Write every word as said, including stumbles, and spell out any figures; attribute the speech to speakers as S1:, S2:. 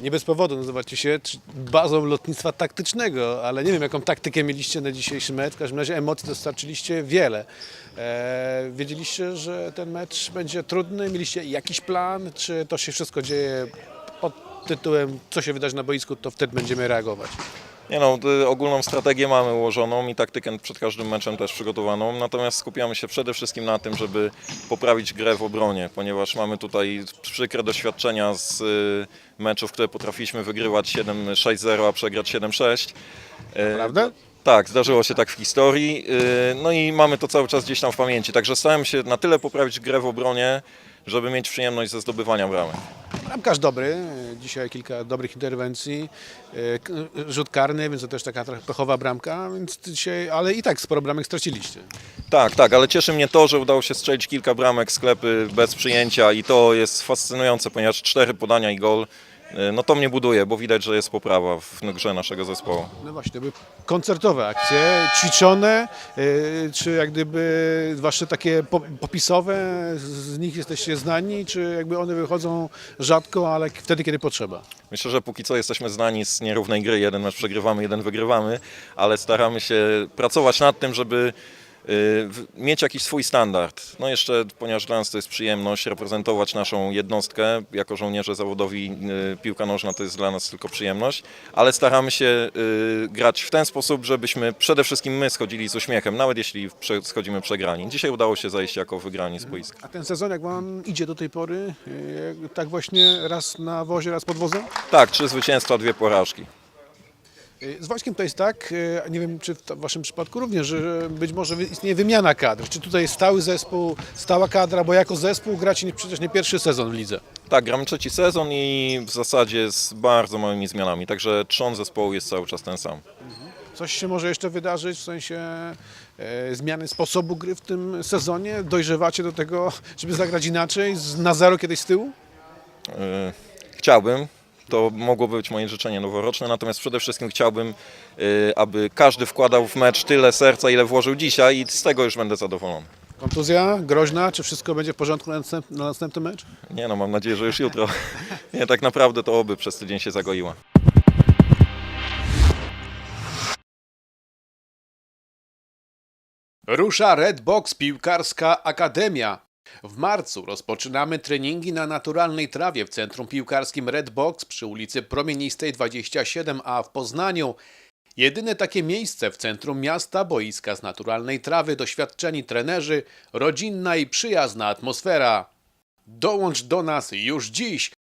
S1: Nie bez powodu nazywacie się czy- bazą lotnictwa taktycznego, ale nie wiem, jaką taktykę mieliście na dzisiejszy mecz. W każdym razie emocji dostarczyliście wiele. E, wiedzieliście, że ten mecz będzie trudny? Mieliście jakiś plan? Czy to się wszystko dzieje pod tytułem, co się wydarzy na boisku, to wtedy będziemy reagować?
S2: Nie no, y, ogólną strategię mamy ułożoną i taktykę przed każdym meczem też przygotowaną, natomiast skupiamy się przede wszystkim na tym, żeby poprawić grę w obronie, ponieważ mamy tutaj przykre doświadczenia z y, meczów, które potrafiliśmy wygrywać siedem sześć zero, a przegrać siedem sześć. Y,
S1: Prawda?
S2: Tak, zdarzyło się tak w historii, y, no i mamy to cały czas gdzieś tam w pamięci, także starałem się na tyle poprawić grę w obronie, żeby mieć przyjemność ze zdobywania bramek.
S1: Bramkarz dobry, dzisiaj kilka dobrych interwencji, e, k- rzut karny, więc to też taka trochę pechowa bramka, więc dzisiaj, ale i tak sporo bramek straciliście.
S2: Tak, tak, ale cieszy mnie to, że udało się strzelić kilka bramek, sklepy bez przyjęcia i to jest fascynujące, ponieważ cztery podania i gol, y, no to mnie buduje, bo widać, że jest poprawa w grze naszego zespołu.
S1: No właśnie, to były koncertowe akcje, ćwiczone, e, czy jak gdyby wasze takie po- popisowe, z nich jesteście znani, czy jakby one wychodzą rzadko, ale wtedy, kiedy potrzeba?
S2: Myślę, że póki co jesteśmy znani z nierównej gry, jeden mecz przegrywamy, jeden wygrywamy, ale staramy się pracować nad tym, żeby y, w- mieć jakiś swój standard. No jeszcze, ponieważ dla nas to jest przyjemność reprezentować naszą jednostkę, jako żołnierze zawodowi y, piłka nożna to jest dla nas tylko przyjemność, ale staramy się y, grać w ten sposób, żebyśmy przede wszystkim my schodzili z uśmiechem, nawet jeśli prze, schodzimy przegrani. Dzisiaj udało się zajść jako wygrani z boiska.
S1: A ten sezon, jak wam idzie do tej pory, e, tak właśnie raz na wozie, raz pod wozem?
S2: Tak, trzy zwycięstwa, dwie porażki.
S1: Z Wojskiem to jest tak, e, nie wiem czy w to- w waszym przypadku również, że być może wy- istnieje wymiana kadr. Czy tutaj jest stały zespół, stała kadra, bo jako zespół gracie nie- przecież nie pierwszy sezon w lidze.
S2: Tak, gramy trzeci sezon i w zasadzie z bardzo małymi zmianami, także trzon zespołu jest cały czas ten sam.
S1: Coś się może jeszcze wydarzyć w sensie e, zmiany sposobu gry w tym sezonie? Dojrzewacie do tego, żeby zagrać inaczej, z, na zero kiedyś z tyłu?
S2: Yy, Chciałbym, to mogłoby być moje życzenie noworoczne, natomiast przede wszystkim chciałbym, yy, aby każdy wkładał w mecz tyle serca, ile włożył dzisiaj i z tego już będę zadowolony.
S1: Kontuzja groźna, czy wszystko będzie w porządku na, następ, na następny mecz?
S2: Nie no, mam nadzieję, że już jutro. Nie, tak naprawdę to oby przez tydzień się zagoiła.
S1: Rusza Redbox Piłkarska Akademia. W marcu rozpoczynamy treningi na naturalnej trawie w Centrum Piłkarskim Redbox przy ulicy Promienistej dwadzieścia siedem A w Poznaniu. Jedyne takie miejsce w centrum miasta, boiska z naturalnej trawy, doświadczeni trenerzy, rodzinna i przyjazna atmosfera. Dołącz do nas już dziś